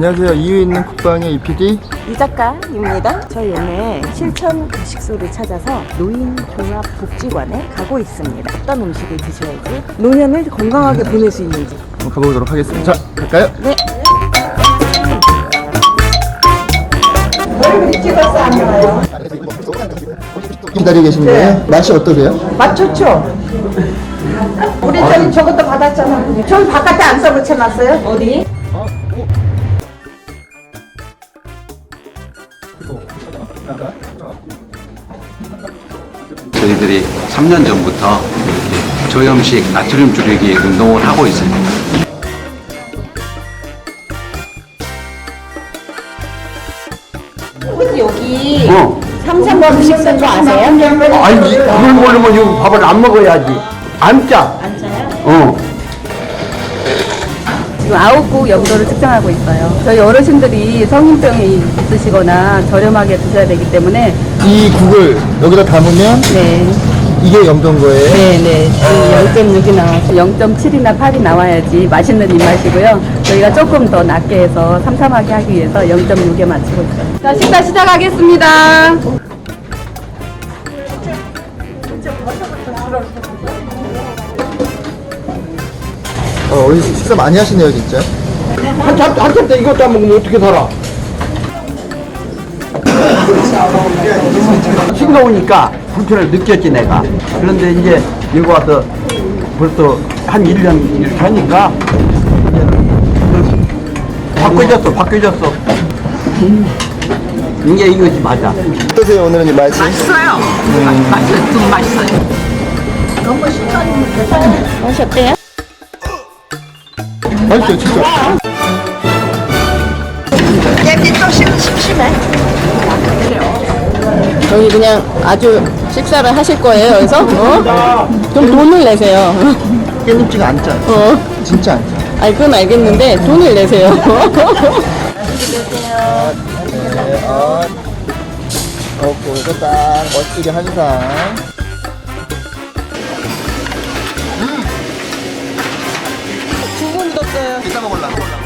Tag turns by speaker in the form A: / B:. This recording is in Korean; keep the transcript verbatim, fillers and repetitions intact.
A: 안녕하세요. 이유 있는 국방의 이피디
B: 이 작가입니다. 저희 오늘 실천 가식소를 찾아서 노인 종합복지관에 가고 있습니다. 어떤 음식을 드셔야지 노년을 건강하게 보낼 수 있는지
A: 한번 가보도록 하겠습니다. 자, 갈까요?
B: 네.
A: 기다리고 계신 거예요? 맛이 어떠세요?
C: 맛 좋죠? 우리 저기 저것도 받았잖아. 저기 바깥에 안 써붙여놨어요?
B: 어디?
D: 저희들이 삼 년 전부터 이렇게 저염식 나트륨 줄이기 운동을 하고 있습니다.
B: 혹시 여기
E: 어.
B: 삼삼번 식사 좀 아세요?
E: 아니, 그걸 모르면 이거 밥을 안 먹어야지. 안 짜.
B: 안 짜요?
E: 어.
F: 지금 아홉 국 영도를 측정하고 있어요. 저희 어르신들이 성인병이 있으시거나 저렴하게 드셔야 되기 때문에
A: 이 국을 여기다 담으면
F: 네,
A: 이게 염도인 거예요?
F: 네, 네. 지금 영 점 육이 나와서 영 점 칠이나 팔이 나와야지 맛있는 입맛이고요. 저희가 조금 더 낮게 해서 삼삼하게 하기 위해서 영 점 육에 맞추고 있어요. 자, 식사 시작하겠습니다.
A: 어, 어르신 식사 많이 하시네요, 진짜.
E: 한참, 한참 때 이것도 안 먹으면 어떻게 살아? 싱거우니까 불편을 느꼈지, 내가. 그런데 이제 여기 와서 벌써 한 일 년 이렇게 하니까 이제는 바뀌어졌어, 바뀌어졌어. 이게 이것이 맞아.
A: 어떠세요, 오늘은 이 맛이?
C: 맛있어요. 맛있어요. 좀 맛있어요.
B: 맛이 어때요?
A: 맛있어요, 진짜.
C: 깨비 또 심- 심심해.
B: 저희 그냥 아주 식사를 하실 거예요, 여기서? 어? 좀 돈을 내세요.
A: 깻잎지가 안 짜요.
B: 어.
A: 진짜 안 짜요.
B: 아니, 그건 알겠는데 돈을 내세요.
A: 네, 어. 어, 이거 딱 멋지게 한 상.
B: 두분 묻었어요.
A: 이따 먹을라.